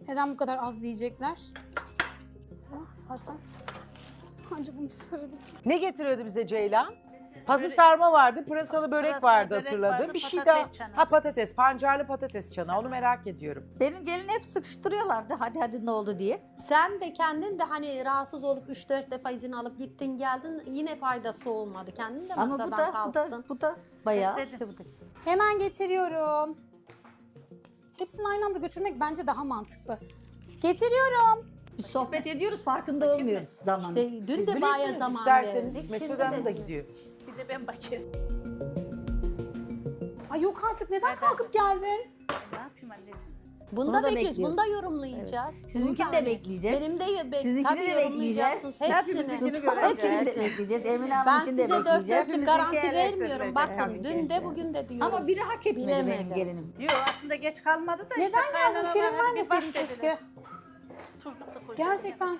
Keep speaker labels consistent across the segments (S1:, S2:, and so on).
S1: Neden bu kadar az diyecekler? Ah, zaten anca bunu sarabilirim.
S2: Ne getiriyordu bize Ceylan? Pazı sarma vardı, pırasalı börek
S3: Pırasalı
S2: vardı
S3: börek
S2: hatırladım.
S3: vardı,
S2: Bir şey
S3: patates
S2: daha.
S3: çanağı.
S2: Ha patates, pancarlı patates çanağı. Onu merak ediyorum.
S4: Benim gelin hep sıkıştırıyorlardı hadi ne oldu diye.
S5: Sen de kendin de hani rahatsız olup 3-4 defa izin alıp gittin geldin yine faydası olmadı. Kendin de
S4: Ama
S5: masadan kalktın.
S4: bu da bayağı
S3: Sesledim.
S4: işte bu da.
S1: Hemen getiriyorum. Hepsini aynı anda götürmek bence daha mantıklı. Getiriyorum.
S4: Biz sohbet ediyoruz farkında olmuyoruz zaman.
S5: İşte dün
S2: Siz
S5: de bayağı
S2: bilirsiniz
S5: zaman
S2: isterseniz
S5: verdik.
S2: Mesut
S5: Şimdi
S2: Hanım da
S5: de
S2: gidiyor.
S3: Bir de ben bakayım.
S1: Ay yok artık neden
S3: Neden?
S1: kalkıp geldin?
S3: Ne yapayım anneciğim?
S5: Bunu
S4: Bunu
S5: da
S4: da
S5: bekliyoruz. Bunu da
S4: bekliyoruz.
S5: yorumlayacağız.
S4: Sizinkini
S5: Bunu da
S4: de
S5: hani
S4: bekleyeceğiz.
S5: Benim de
S4: Sizinkini
S5: tabii
S4: de
S5: yorumlayacaksınız.
S6: Hepimizinkini
S5: Hepsini.
S6: göreceğiz.
S4: Hepimiz de bekleyeceğiz. Emine
S5: Ben
S4: Hanım'ınkini de
S5: size dört
S4: bekleyeceğiz.
S5: dörtlük
S6: Hepimizinki
S5: garanti vermiyorum.
S6: eleştirilecek
S5: Bakın
S6: tabii
S5: dün
S6: ki.
S5: de bugün de diyorum.
S4: Ama biri hak etmedi benim
S5: Bilemedim.
S4: gelinim.
S3: Yok aslında geç kalmadı da
S1: Neden
S3: işte
S1: geldin?
S3: kaynanalar
S1: Prim
S3: hadi bir bak
S1: vermeseydin
S3: dediler.
S1: keşke.
S3: Tuzluk da koyacağım.
S1: Gerçekten.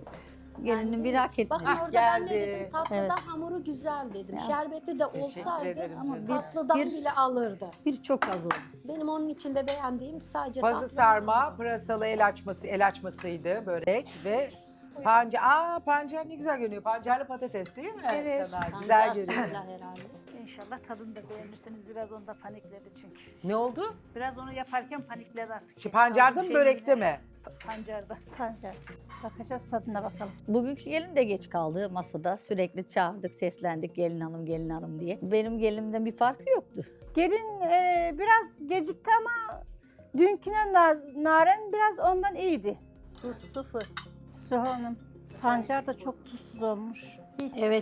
S4: Gelinin biri hak etmedi.
S5: Bakın
S2: Ah,
S5: orada ben ne
S2: geldi.
S5: dedim? Tatlıda
S4: Evet.
S5: hamuru güzel dedim.
S4: Ya.
S5: Şerbeti de olsaydı
S2: ederim
S4: ama
S2: canım.
S5: tatlıdan
S4: Bir-
S5: bile alırdı.
S4: Bir çok az oldu.
S5: Benim onun içinde beğendiğim sadece
S2: Pazı
S5: tatlı.
S2: sarma, pırasalı el açmasıydı börek ve pancar. Aa pancar ne güzel görünüyor. Pancarlı patates değil mi?
S1: Evet.
S2: Sana
S5: Pancar
S2: güzel görünüyor.
S5: suyuyla herhalde.
S3: İnşallah tadını da beğenirsiniz. Biraz onda panikledi çünkü.
S2: Ne oldu?
S3: Biraz onu yaparken panikledi artık.
S2: Şey,
S3: Geç
S2: pancarda
S3: kaldım
S2: mı börekte
S3: şeyine.
S2: mi?
S3: Pancarda. Pancar. Bakacağız tadına bakalım.
S4: Bugünkü gelin de geç kaldı masada. Sürekli çağırdık, seslendik gelin hanım diye. Benim gelinimden bir farkı yoktu.
S7: Gelin biraz gecikti ama dünküne Naren biraz ondan iyiydi.
S5: Tuz sıfır.
S7: Suha Hanım. Pancar da çok tuzsuz olmuş.
S5: Hiç.
S4: Evet,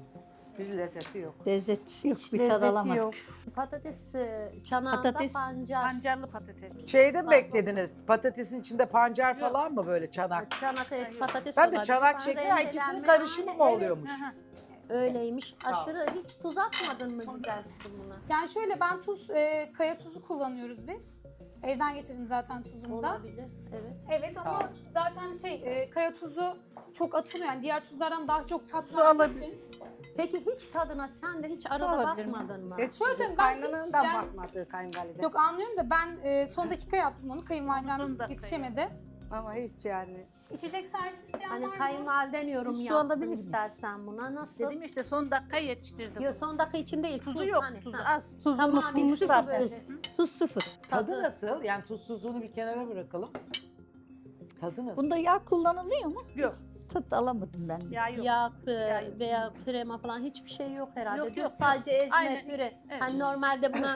S6: Bir lezzeti yok.
S4: lezzet yok,
S7: Hiç
S4: bir tad
S7: lezzeti
S4: alamadık.
S7: yok.
S5: Patates çanağında
S4: Patates-
S5: pancar.
S3: Pancarlı patates.
S2: Şeyde mi beklediniz? Patatesin içinde pancar falan mı böyle çanak?
S5: Çanak evet patates
S2: Ben de
S5: olabilir.
S2: çanak
S5: Falan
S2: şekli ha, ikisinin
S5: rendelenme
S2: karışımı mı
S5: hali,
S2: oluyormuş?
S3: Aha.
S5: Evet, öyleymiş. Aşırı hiç tuz atmadın mı güzel kızım buna?
S1: Yani şöyle ben kaya tuzu kullanıyoruz biz. Evden getirdim zaten tuzumu da.
S5: Olabilir. Evet.
S1: Evet
S2: Sağ
S1: ama
S2: ol.
S1: zaten kaya tuzu çok atılıyor. Yani diğer tuzlardan daha çok tat
S7: Su
S1: verdiği
S7: alabilir.
S1: için.
S5: Peki hiç tadına sen de hiç arada
S7: Olabilir mi?
S5: bakmadın mı?
S6: Hiç
S1: Şöyle söyleyeyim, ben hiç
S6: kaynanandan
S1: yani-
S6: bakmadı kayınvalide.
S1: Yok anlıyorum da ben son dakika yaptım onu.
S3: Son
S1: Kayınvalidem
S3: dakika
S1: yetişemedi.
S6: Ama hiç yani.
S1: İçecek servis isteyen
S5: Hani
S1: var mı?
S5: kayınvaliden yorum
S4: Su
S5: yapsın
S4: alabilir miyim?
S5: istersen buna. Nasıl?
S3: Dedim işte son dakika yetiştirdim.
S5: Yok son dakika için değil.
S3: Tuzu
S5: tuz
S3: yok.
S5: hani.
S3: Tuzu
S5: Ha.
S3: az.
S7: Tuzu
S5: Tamam,
S7: unutulmuş
S5: bir
S7: zaten.
S5: böyle.
S4: Tuz sıfır.
S2: Tadı nasıl? Yani tuzsuzluğunu bir kenara bırakalım. Tadı nasıl?
S4: Bunda yağ kullanılıyor mu?
S3: Yok.
S4: Tat alamadım ben.
S3: Yağ yok.
S5: Yağ
S3: yok.
S5: veya krema falan hiçbir şey yok herhalde.
S3: Yok,
S5: Düz
S3: yok,
S5: sadece ezme
S3: Aynen.
S5: püre.
S3: Evet.
S5: Hani normalde buna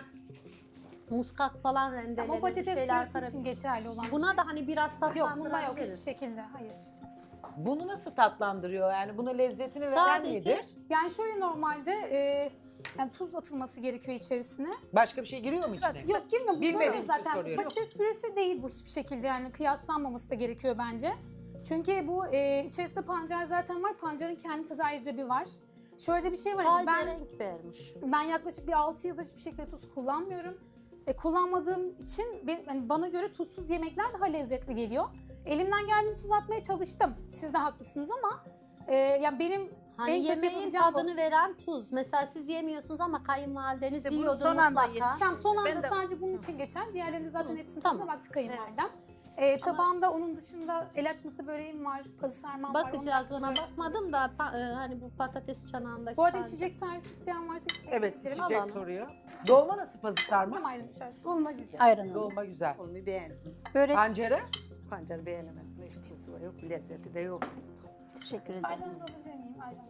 S5: muskak falan
S1: Ama
S5: rendelenir.
S1: patates
S5: şeyler
S1: püresi için
S5: karışır.
S1: geçerli olan bir
S5: Buna
S1: şey.
S5: da hani biraz
S1: Yok bunda yok hiçbir
S5: tatlandırabiliriz.
S1: şekilde. Hayır.
S2: Bunu nasıl tatlandırıyor? Yani buna lezzetini veren
S5: Sadece-
S2: nedir?
S1: Yani şöyle normalde yani tuz atılması gerekiyor içerisine.
S2: Başka bir şey giriyor mu içine?
S1: Yok girmiyor. Bu
S2: Bilmediğim
S1: böyle
S2: için
S1: zaten.
S2: soruyorum.
S1: Patates püresi değil bu hiçbir şekilde. Yani kıyaslanmaması da gerekiyor bence. Çünkü bu içerisinde pancar zaten var. Pancarın kendi tadı ayrıca bir var. Şöyle bir şey var.
S5: Sadece
S1: Ben
S5: renk vermiş.
S1: yaklaşık bir 6 yıldır hiçbir şekilde tuz kullanmıyorum. Kullanmadığım için hani bana göre tuzsuz yemekler daha lezzetli geliyor. Elimden geldiğince tuz atmaya çalıştım. Siz de haklısınız ama yani benim
S5: Hani
S1: en kötü
S5: yemeğin
S1: yapabileceğim bu.
S5: tadını veren tuz. Mesela siz yemiyorsunuz ama kayınvalideniz
S3: İşte bunu
S5: yiyordu
S3: son anda
S5: mutlaka.
S3: yetiştirdim.
S1: Tamam son anda
S3: Ben de-
S1: sadece bunun için geçer. Diğerlerinin zaten
S5: Hı,
S1: hepsini
S5: tamam.
S1: tadına baktı kayınvalidem. Tabağımda onun dışında el açması böreğim var, pazı sarmam var.
S5: Bakacağız
S1: ondan
S5: ona
S1: sonra-
S5: bakmadım da hani bu patates çanağındaki.
S1: Bu arada
S5: pancar-
S1: içecek servis isteyen varsa içecek
S2: Evet,
S1: getiririm.
S2: içecek
S5: Alalım.
S2: soruyor. Dolma nasıl pazı
S1: Siz de
S2: sarma?
S1: mi ayrı içersiniz?
S6: Dolma güzel.
S7: Ayran.
S2: Dolma güzel.
S6: Dolmayı beğendim.
S7: Börek.
S2: Pancarı?
S6: Pancarı beğenemedim. Hiç tuzu yok, lezzeti de yok.
S7: Teşekkür ederim.
S1: Ayranınızı alabilir miyim? Ayran.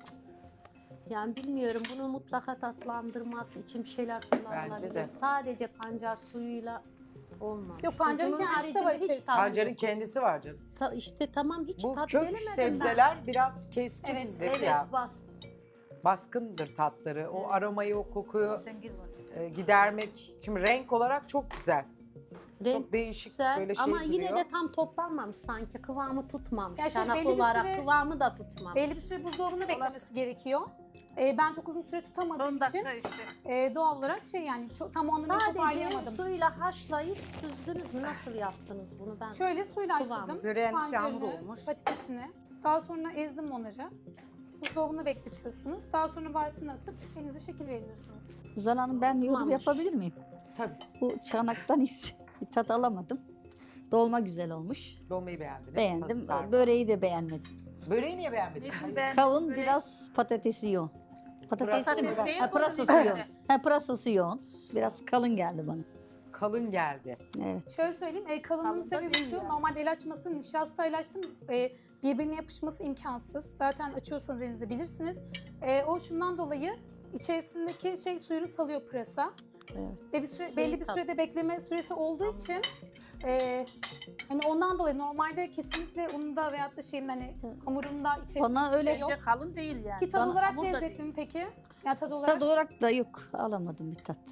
S5: Yani bilmiyorum bunu mutlaka tatlandırmak için bir şeyler
S2: Bence de.
S5: kullanılabilir. Sadece pancar suyuyla olmaz.
S1: Yok, pancarın
S5: Tuzunun
S1: kendisi de var
S5: haricinde hiç
S1: içerisinde.
S5: tadı yok.
S2: Pancarın kendisi var canım.
S5: İşte tamam hiç
S2: Bu
S5: tat
S2: kök
S5: gelemedi.
S2: sebzeler biraz keskin
S1: Evet,
S5: Evet
S2: ya. Baskındır tatları. O
S5: Evet.
S2: aromayı, o kokuyu
S3: Zengin var.
S2: gidermek. Şimdi renk olarak çok güzel.
S5: Renk
S2: Çok değişik
S5: güzel
S2: böyle şey
S5: ama yine
S2: duruyor.
S5: de tam toplanmamış sanki. Kıvamı tutmamış.
S1: Ya şöyle
S5: Çanak
S1: belli bir
S5: olarak
S1: süre-
S5: kıvamı da tutmamış.
S1: Belli bir süre buzdolabında beklemesi gerekiyor. Ben çok uzun süre tutamadığım
S3: Son
S1: için
S3: dakika işte.
S1: doğal olarak yani tam o anlamda
S5: Sadece
S1: toparlayamadım.
S5: suyla haşlayıp süzdünüz mü? Nasıl yaptınız bunu ben?
S1: Şöyle suyla
S5: Kıvam.
S1: haşladım.
S6: Böreğin içi
S1: Pancarını,
S6: hamur olmuş.
S1: patatesini. Daha sonra ezdim onları. Buzdolabında bekletiyorsunuz. Daha sonra baharatını atıp elinize şekil veriyorsunuz.
S4: Suzan Hanım ben yorum
S5: Tutmamış.
S4: yapabilir miyim?
S2: Tabii.
S4: Bu çanaktan hiç bir tat alamadım. Dolma güzel olmuş.
S2: Dolmayı beğendiniz.
S4: Beğendim.
S2: Pazı sarma.
S4: Böreği de beğenmedim.
S2: Böreği niye beğenmedin?
S3: Niçin ben
S4: Kalın
S3: börek-
S4: biraz patatesi yoğun. Patates değil mi?
S3: Patates değil,
S4: Ha,
S3: bunun
S4: pırasası
S3: içinde.
S4: yoğun. Ha, pırasası yoğun. Biraz kalın geldi bana.
S2: Kalın geldi.
S4: Evet.
S1: Şöyle söyleyeyim, kalınlığın
S3: Kalın da
S1: sebebi
S3: değil
S1: şu,
S3: yani.
S1: normalde el açması nişastayla açtım, birbirine yapışması imkansız. Zaten açıyorsanız elinizde bilirsiniz. O şundan dolayı içerisindeki suyunu salıyor pırasa.
S4: Evet.
S1: Ve belli bir sürede bekleme süresi olduğu için hani ondan dolayı normalde kesinlikle ununda veyahut da hani hamurunda içerisinde
S4: Bana
S1: bir
S4: öyle
S1: şey yok.
S3: Bence kalın değil yani.
S1: Ki tat
S4: Bana-
S1: olarak
S3: hamur da
S1: lezzetli
S3: değil.
S1: mi peki? Ya tat olarak
S4: Tad olarak da yok. Alamadım bir tat.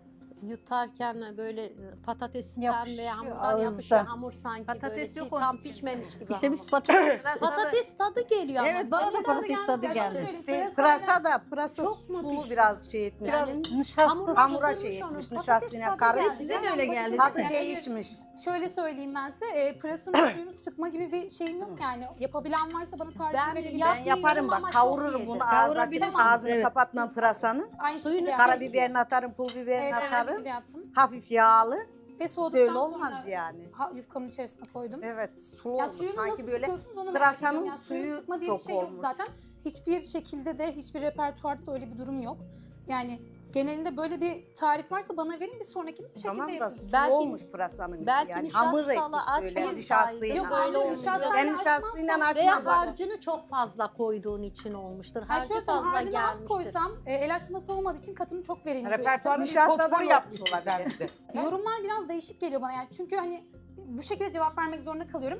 S5: Yutarken böyle patatesten
S7: Yapışıyor
S5: ve hamurdan
S7: ağızda.
S5: yapışıyor. Hamur sanki
S3: Patates
S5: böyle
S3: yok
S5: tam
S3: onun içinde.
S5: pişmemiş gibi.
S4: İşte biz
S5: hamur.
S4: patates.
S5: Patates tadı geliyor ama.
S4: Evet, bana da
S5: bize.
S4: patates tadı
S1: Ya
S4: geldi.
S1: şöyle
S6: İşte
S1: söyleyeyim,
S6: pırasa da pırasa
S5: Çok mu
S6: sulu
S5: pişmiş?
S6: biraz şey etmiş.
S7: Biraz
S5: Yani
S7: nişasta.
S6: hamura
S5: pişirmiş
S6: şey
S5: onu,
S6: etmiş,
S5: patates
S6: nişastayla
S5: tadı
S6: karıştı.
S5: geldi.
S4: Size de öyle geldi.
S6: Tadı
S1: Yani
S6: değişmiş.
S1: Şöyle söyleyeyim ben size, pırasanın suyunu sıkma gibi bir şeyim yok yani. Yapabilen varsa bana tarif
S5: Ben
S1: verebilir.
S6: Ben
S5: Yapmıyorum
S6: yaparım
S5: ama
S6: bak,
S5: çok
S6: kavururum
S5: yedim.
S6: bunu ağzına açıp
S4: Kavurabilirsiniz,
S6: ağzını
S4: evet.
S6: kapatmam pırasanın.
S1: Aynı
S5: Suyunu
S1: şekilde
S6: Karabiberini atarım, pul biberini
S1: Evet, aynı
S6: atarım.
S1: şekilde yaptım.
S6: Hafif yağlı.
S1: Ve soğuduktan
S6: Böyle olmaz
S1: sonra
S6: yani.
S1: yufkamın içerisine koydum.
S6: Evet, sulu
S1: Ya
S6: olmuş.
S1: suyunu
S6: Sanki
S1: nasıl
S6: böyle
S1: sıkıyorsunuz onu merak
S6: pırasanın
S1: ediyorum. Ya suyunu
S6: suyu
S1: sıkma diye bir
S6: çok
S1: şey yok
S6: olmuş.
S1: zaten. Hiçbir şekilde de hiçbir repertuarda da öyle bir durum yok. Yani genelinde böyle bir tarif varsa bana verin, bir sonrakini bu şekilde
S6: tamam da
S1: yapın.
S6: sulu
S5: Belki-
S6: olmuş pırasanın içi
S5: belki
S6: yani.
S5: nişastalı
S6: Hamur etmiş böyle
S5: açmasaydı
S6: nişastayla.
S1: Yok,
S5: böyle
S1: böyle
S5: olmuş.
S1: nişastayla
S6: Ben nişastayla
S1: açmazsam-
S6: açmam
S5: Veya
S6: bak.
S5: harcını çok fazla koyduğun için olmuştur.
S1: Yani
S5: Harcı
S1: şöyle söyleyeyim,
S5: fazla
S1: harcını az
S5: gelmiştir.
S1: koysam el açması olmadığı için katını çok verimli.
S2: Repertuarda bir
S6: Nişastadan
S2: potpourri yapmışsın
S6: olmuş
S2: sen
S6: olabilir.
S2: bize.
S1: Yorumlar biraz değişik geliyor bana yani, çünkü hani bu şekilde cevap vermek zorunda kalıyorum.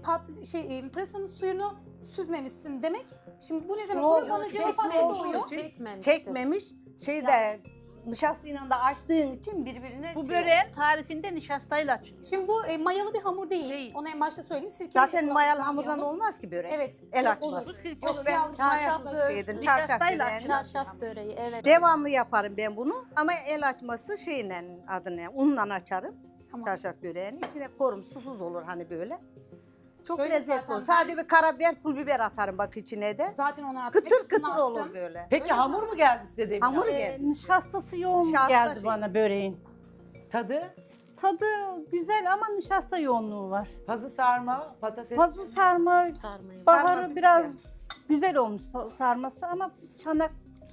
S1: Pırasanın suyunu süzmemişsin demek. Şimdi bu ne demek
S6: Sulu
S1: oluyor? Bana
S6: olmuş,
S1: cevap
S6: sulu
S1: vermek
S6: olduğu
S1: oluyor.
S6: için
S5: Çekmemiştir.
S6: Çekmemiş. Şeyde nişastayla da açtığın için birbirine
S3: Bu
S6: şey
S3: böreğin tarifinde nişastayla açılıyor.
S1: Şimdi bu mayalı bir hamur değil.
S3: Değil.
S1: Onu en başta söyleyeyim. Sirkeli
S6: Zaten
S1: yapılan
S6: mayalı
S1: bir
S6: hamurdan
S1: hamur.
S6: olmaz ki börek.
S1: Evet.
S6: El
S1: olur.
S6: açması.
S3: Sirke
S6: Yok
S3: olur.
S6: ben
S1: Yağlı
S6: mayasız
S1: çarşaf
S6: şeydim.
S3: Nişastayla
S6: Çarşaf böreğini.
S5: Çarşaf böreği evet.
S6: Devamlı yaparım ben bunu ama el açması şeyle adını unla açarım.
S1: Tamam.
S6: Çarşaf böreğini. İçine korum susuz olur hani böyle. Çok
S1: Şöyle
S6: lezzetli
S1: zaten
S6: olur.
S1: ben-
S6: Sadece bir karabiber, pul biber atarım bak içine de.
S1: Zaten onu attım.
S6: Kıtır
S1: hepsini
S6: kıtır
S1: attım.
S6: olur böyle.
S2: Peki
S1: Öyle
S2: hamur mu geldi size demin?
S6: Hamur
S2: abi?
S6: geldi.
S7: Nişastası yoğun
S6: Nişasta
S7: geldi
S6: şey.
S7: bana böreğin.
S2: Tadı,
S7: Tadı güzel ama nişasta yoğunluğu var.
S2: pazı sarma, patates.
S7: Pazı sarma,
S5: Sarmayı.
S7: baharı
S6: Sarması
S7: biraz güzel olmuş sarması ama çanak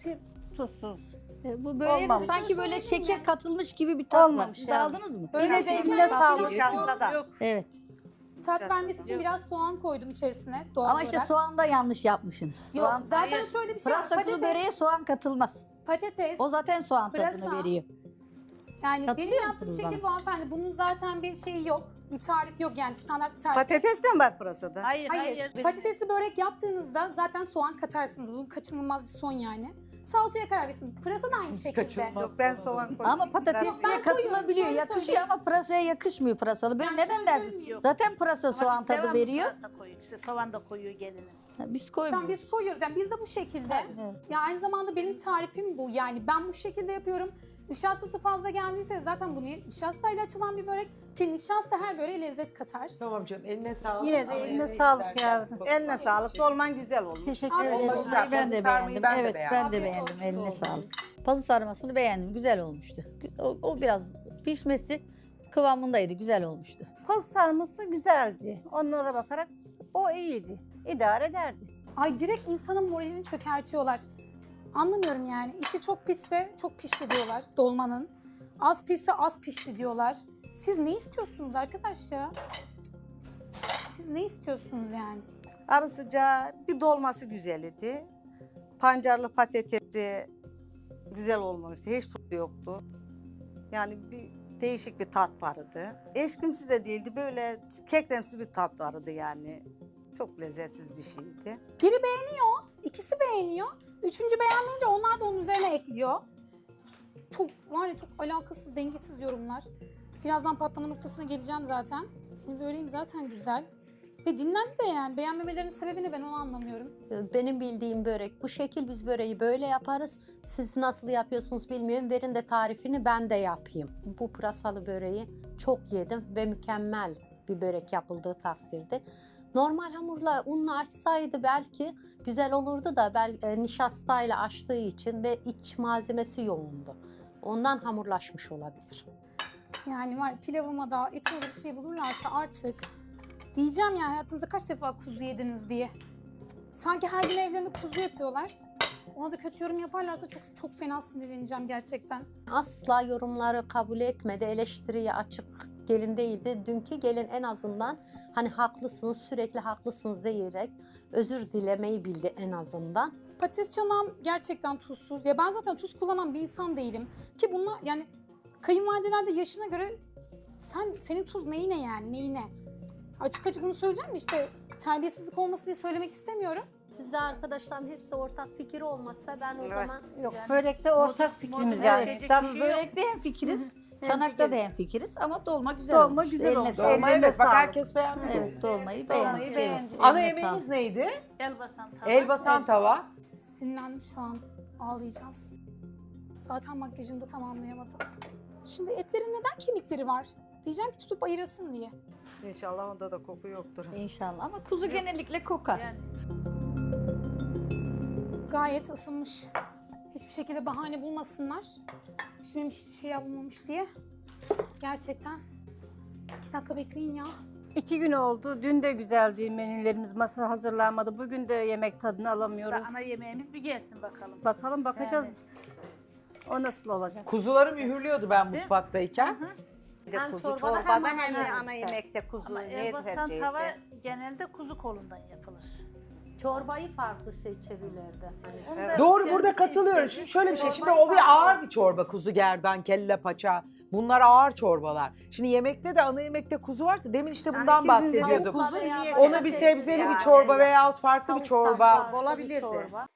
S7: tuzsuz.
S4: Bu böreğe de
S7: Olmamış.
S4: sanki böyle şeker katılmış gibi bir tat var.
S7: Olmamış
S4: Siz de
S7: yani.
S4: aldınız mı?
S1: Böyle
S7: Yine de
S1: şeyler
S7: eline sağlık.
S6: Nişasta da.
S3: Yok.
S4: Evet.
S1: Tat vermesi için biraz soğan koydum içerisine. Doğal
S4: Ama işte
S1: olarak.
S4: soğan da yanlış yapmışsınız.
S1: Yok,
S4: Soğan,
S1: zaten
S3: Hayır.
S1: şöyle bir şey var.
S4: pırasaklı böreğe soğan katılmaz.
S1: Patates.
S4: O zaten soğan
S1: Pırasa.
S4: tadını veriyor.
S1: Yani benim
S4: Katılıyor
S1: yaptığım
S4: musunuz
S1: şekil bu hanımefendi. Bunun zaten bir şeyi yok. Bir tarif yok yani, standart bir tarif. yok.
S6: Patates de mi var pırasada?
S3: Hayır,
S1: Hayır.
S3: hayır.
S1: Patatesli börek yaptığınızda zaten soğan katarsınız. Bu kaçınılmaz bir son yani. Salçaya karar verirsiniz. Pırasa da aynı şekilde.
S2: kaçınılmaz.
S6: Yok ben soğan koydum.
S4: Ama patatesle
S1: Ben koyuyorum,
S4: katılabiliyor.
S1: şöyle
S4: Yakışıyor
S1: söyleyeyim.
S4: ama pırasaya yakışmıyor pırasalı. Ben
S1: Ben
S4: neden
S1: şöyle
S4: dersin?
S1: söyleyeyim.
S4: Zaten pırasa
S3: Ama
S4: soğan
S3: biz
S4: tadı
S3: devamlı
S4: veriyor.
S3: pırasa koyuyoruz. İşte soğan da koyuyor gelinin.
S4: Ha, biz
S1: Tamam,
S4: koymuyoruz.
S1: biz koyuyoruz. Yani biz de bu şekilde.
S4: Evet.
S1: Ya aynı zamanda benim tarifim bu. Yani ben bu şekilde yapıyorum. Nişastası fazla geldiyse zaten bu nişastayla açılan bir börek, ki nişasta her böreğe lezzet katar.
S2: Tamam canım, eline sağlık.
S7: Yine de
S2: Ama
S7: eline
S2: ne
S7: sağlık
S2: istersen.
S7: yavrum.
S6: Eline sağlık. Dolman güzel olmuş.
S7: Teşekkür
S1: Afiyet
S7: ederim.
S1: olsun.
S2: Güzel,
S4: Ben de
S2: pazı sarmayı
S4: beğendim.
S2: ben de
S4: Evet,
S2: beğendim.
S4: ben de
S1: Afiyet
S4: beğendim.
S1: olsun,
S4: Eline
S1: oldu.
S4: sağlık. Pazı sarmasını beğendim. Güzel olmuştu. O biraz pişmesi kıvamındaydı. Güzel olmuştu.
S7: Paz sarması güzeldi. Onlara bakarak o iyiydi. İdare ederdi.
S1: Ay, direkt insanın moralini çökertiyorlar. Anlamıyorum yani. İçi çok pişse çok pişti diyorlar dolmanın. Az pişse az pişti diyorlar. Siz ne istiyorsunuz arkadaş ya? Siz ne istiyorsunuz yani?
S6: Arı sıcağı bir dolması güzel idi. Pancarlı patatesi güzel olmamıştı. Hiç tuzu yoktu. Yani bir değişik bir tat vardı. Eşkimsiz de değildi. Böyle kekremsi bir tat vardı yani. Çok lezzetsiz bir şeydi.
S1: Biri beğeniyor, ikisi beğeniyor. Üçüncü beğenmeyince onlar da onun üzerine ekliyor. Çok var ya, çok alakasız, dengesiz yorumlar. Birazdan patlama noktasına geleceğim zaten. Benim böreğim zaten güzel. Ve dinlendi de yani. Beğenmemelerinin sebebini ben onu anlamıyorum.
S5: Benim bildiğim börek bu şekil, biz böreği böyle yaparız. Siz nasıl yapıyorsunuz bilmiyorum. Verin de tarifini ben de yapayım. Bu pırasalı böreği çok yedim ve mükemmel bir börek yapıldığı takdirde. Normal hamurla unla açsaydı belki güzel olurdu da nişastayla açtığı için ve iç malzemesi yoğundu. Ondan hamurlaşmış olabilir.
S1: Yani var pilavıma da etime de bir şey bulurlarsa artık diyeceğim ya hayatınızda kaç defa kuzu yediniz diye. Sanki her gün evlerinde kuzu yapıyorlar. Ona da kötü yorum yaparlarsa çok fena sinirleneceğim gerçekten.
S5: Asla yorumları kabul etmedi, eleştiriye açık gelin değildi. Dünkü gelin en azından hani haklısınız, sürekli haklısınız diyerek özür dilemeyi bildi en azından.
S1: Patates çanağım gerçekten tuzsuz. Ya ben zaten tuz kullanan bir insan değilim. Ki bunlar yani kayınvalideler de yaşına göre senin tuz neyine yani neyine? Açık açık bunu söyleyeceğim mi işte terbiyesizlik olmasın diye söylemek istemiyorum.
S5: Sizde arkadaşlarım hepsi ortak fikir olmazsa ben o
S6: Evet.
S5: zaman
S7: Yok, börekte ortak fikrimiz yani.
S3: Evet.
S7: Tam
S3: Şey
S4: Börekte hemfikiriz, çanakta da
S7: hemfikiriz.
S4: hemfikiriz ama dolma güzel
S7: Dolma
S4: olmuş.
S7: güzel
S4: Eline
S7: olmuş.
S4: sağlık.
S2: Dolma
S7: Ellerine
S2: evet bak
S7: sağlık.
S2: herkes beğendi.
S4: Evet, dolmayı
S3: Dolmayı
S4: beğendik.
S3: beğendik.
S4: Evet,
S2: Ana
S4: eline
S2: yemeğiniz
S4: sağlık.
S2: neydi?
S3: Elbasan tava.
S2: Elbasan tava.
S1: Sinirlendim şu an. Ağlayacağım. Zaten makyajımı da tamamlayamadım. Şimdi etlerin neden kemikleri var? Diyeceğim ki tutup ayırasın diye.
S6: İnşallah onda da koku yoktur.
S4: İnşallah ama kuzu genellikle kokar.
S3: Yani
S1: Gayet ısınmış. Hiçbir şekilde bahane bulmasınlar. Pişmemiş şey yapılmamış diye. Gerçekten. 2 dakika bekleyin ya.
S7: 2 gün oldu. Dün de güzeldi menülerimiz, masa hazırlanmadı. Bugün de yemek tadını alamıyoruz.
S3: ana yemeğimiz bir gelsin bakalım.
S7: Bakalım bakacağız.
S3: Yani.
S7: O nasıl olacak?
S2: Kuzuları mühürlüyordu ben mutfaktayken.
S6: Bir de
S5: Hem
S6: kuzu
S5: çorbada
S6: çorbada
S5: hem
S6: hem
S5: ana
S6: de
S5: yemekte.
S6: ana yemekte kuzu
S3: Ama
S6: ne
S3: elbasan
S6: tercih
S3: tava
S6: etti?
S3: genelde kuzu kolundan yapılır.
S5: çorbayı farklı seçebilirdi. Hani.
S6: Evet.
S2: Doğru
S3: Sen
S2: burada
S3: bir
S2: katılıyorum.
S3: istedin.
S2: Şimdi şöyle bir şey. Şimdi
S5: Çorbayı
S2: o bir
S5: farklı.
S2: ağır bir çorba. Kuzu gerdan, kelle paça. Bunlar ağır çorbalar. Şimdi yemekte de ana yemekte kuzu varsa demin işte
S6: Yani
S2: bundan
S6: ikisinde de
S2: bahsediyorduk.
S6: kuzu
S5: Veya
S6: niye
S5: başka
S2: Ona bir
S5: sebze
S2: sebzeli
S6: yani.
S2: bir çorba veyahut farklı bir
S5: Tavuktan
S2: çorba.
S5: farklı bir
S6: Olabilirdi.
S5: çorba.